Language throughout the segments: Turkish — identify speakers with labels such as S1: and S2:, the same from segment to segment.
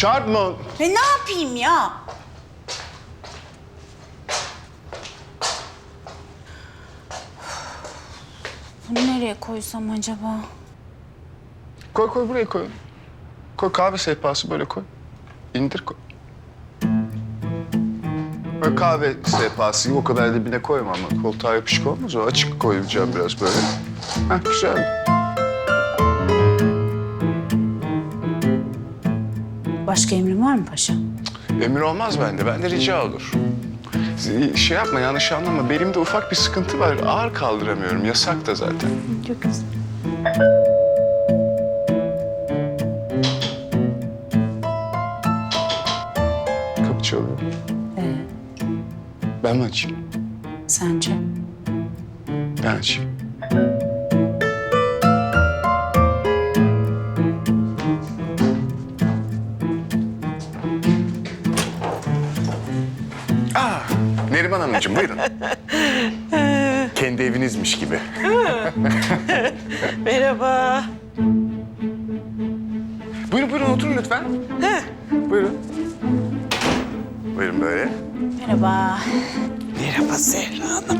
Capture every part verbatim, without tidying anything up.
S1: Çarpma.
S2: E ne yapayım ya? Bunu nereye koysam acaba?
S1: Koy koy buraya koy. Koy kahve sehpası böyle koy. İndir koy. Böyle kahve sehpası o kadar dibine koyma ama koltuğa yapışık olmaz o. Açık koyacağım biraz böyle. Heh güzel.
S2: Başka emrin var mı paşa?
S1: Emir olmaz bende. Bende rica olur. Şey yapma yanlış anlama. Belimde ufak bir sıkıntı var. Ağır kaldıramıyorum. Yasak da zaten.
S2: Çok güzel.
S1: Kapı çalıyor.
S2: Ee,
S1: Ben mi açayım?
S2: sence?
S1: Ben açayım. Aa, Neriman Hanımcığım buyurun. Kendi evinizmiş gibi.
S3: Merhaba.
S1: Buyurun buyurun oturun lütfen. Buyurun. Buyurun böyle.
S2: Merhaba.
S3: Merhaba Zehra Hanım.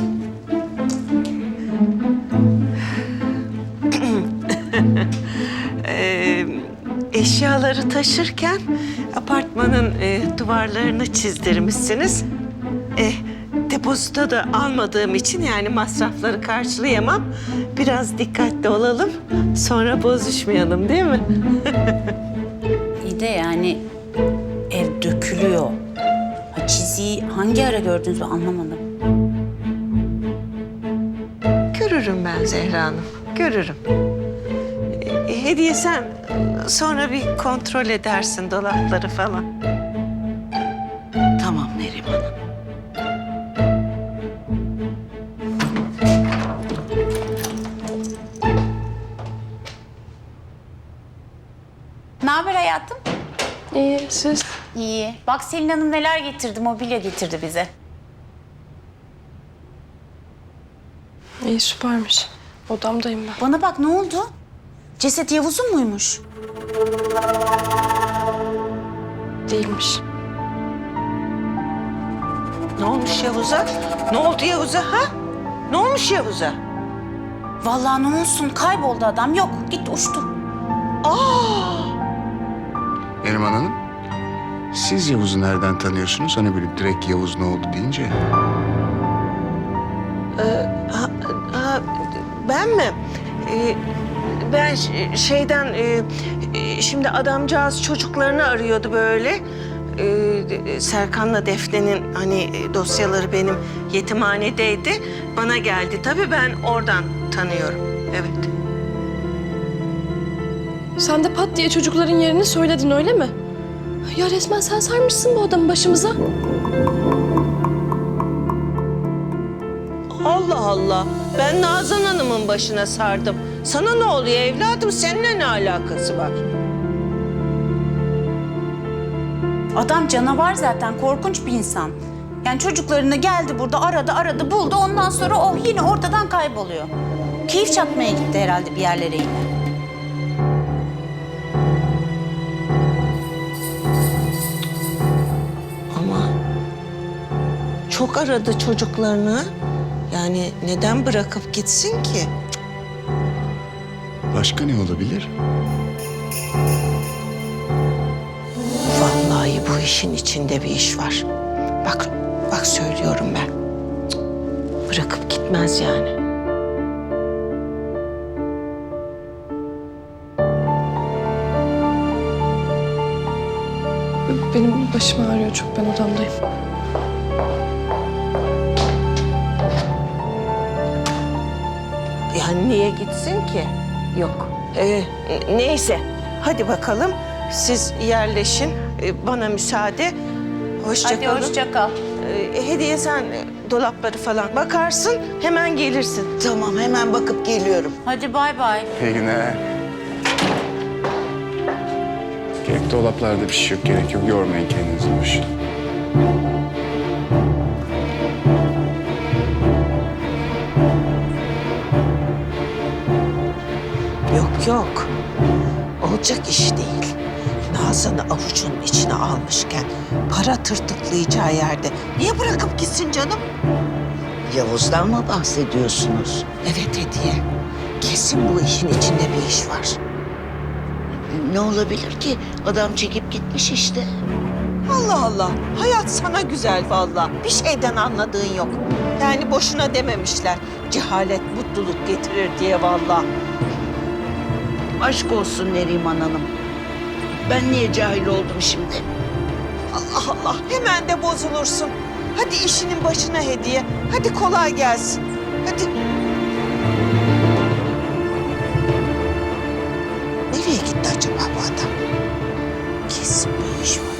S3: Ee, eşyaları taşırken apartmanın e, duvarlarını çizdirmişsiniz. E, depozito da almadığım için yani masrafları karşılayamam. Biraz dikkatli olalım. Sonra bozuşmayalım değil mi?
S2: İyi de yani ev dökülüyor. Ha, çiziyi hangi ara gördünüz ben anlamadım.
S3: Görürüm ben Zehra Hanım, görürüm. E, hediye sen sonra bir kontrol edersin dolapları falan. Tamam Neriman Hanım.
S2: Ne haber hayatım?
S4: İyi, siz?
S2: İyi. Bak Selin Hanım neler getirdi, mobilya getirdi bize.
S4: İyi, süpermiş. Odamdayım ben.
S2: Bana bak ne oldu? Ceset Yavuz'un muymuş?
S4: Değilmiş.
S3: Ne olmuş Yavuz'a? Ne oldu Yavuz'a ha? Ne olmuş Yavuz'a?
S2: Vallahi ne olsun kayboldu adam. Yok gitti uçtu.
S1: Neriman Hanım, siz Yavuz'u nereden tanıyorsunuz? Hani böyle direkt Yavuz ne oldu deyince.
S3: Ha, ha, ben mi? Ee, ben ş- şeyden e, e, şimdi adamcağız çocuklarını arıyordu böyle. Ee, Serkan'la Defne'nin hani e, dosyaları benim yetimhanedeydi. Bana geldi tabii ben oradan tanıyorum. Evet.
S4: Sen de pat diye çocukların yerini söyledin öyle mi? Ya resmen sen sarmışsın bu adamı başımıza.
S3: Allah Allah. Ben Nazan Hanım'ın başına sardım. Sana ne oluyor evladım? Seninle ne alakası var?
S2: Adam canavar zaten korkunç bir insan. Yani çocuklarını geldi burada aradı aradı buldu ondan sonra o yine ortadan kayboluyor. Keyif çatmaya gitti herhalde bir yerlere yine.
S3: Ama çok aradı çocuklarını. Yani neden bırakıp gitsin ki?
S1: Başka ne olabilir?
S3: Vallahi bu işin içinde bir iş var. Bak, bak söylüyorum ben. Cık, bırakıp gitmez yani.
S4: Benim başım ağrıyor çok, ben odamdayım.
S3: Yani niye gitsin ki? Yok. Ee, neyse, hadi bakalım. Siz yerleşin. Ee, bana müsaade. Hoşça
S2: Hadi
S3: kalın.
S2: hoşça kal.
S3: Ee, hediye sen e, dolapları falan bakarsın, hemen gelirsin.
S5: Tamam, hemen bakıp geliyorum.
S2: Hadi bay bay.
S1: İyi günler. Gerek dolaplarda bir şey yok, gerek yok. Yormayın kendinizi boşuna.
S3: Yok yok. Olacak iş değil. Nazan
S5: Hasan'ı avucunun içine almışken para tırtıklayacağı yerde niye bırakıp gitsin canım?
S6: Yavuz'dan mı bahsediyorsunuz?
S5: Evet Hediye. Kesin bu işin içinde bir iş var.
S6: Ne olabilir ki? Adam çekip gitmiş işte.
S5: Allah Allah. Hayat sana güzel vallahi. Bir şeyden anladığın yok. Yani boşuna dememişler. Cehalet mutluluk getirir diye vallahi.
S6: Aşk olsun Neriman Hanım. Ben niye cahil oldum şimdi?
S5: Allah Allah. Hemen de bozulursun. Hadi işinin başına Hediye. Hadi kolay gelsin. Hadi. Nereye gitti acaba bu adam? Kesin bir iş var.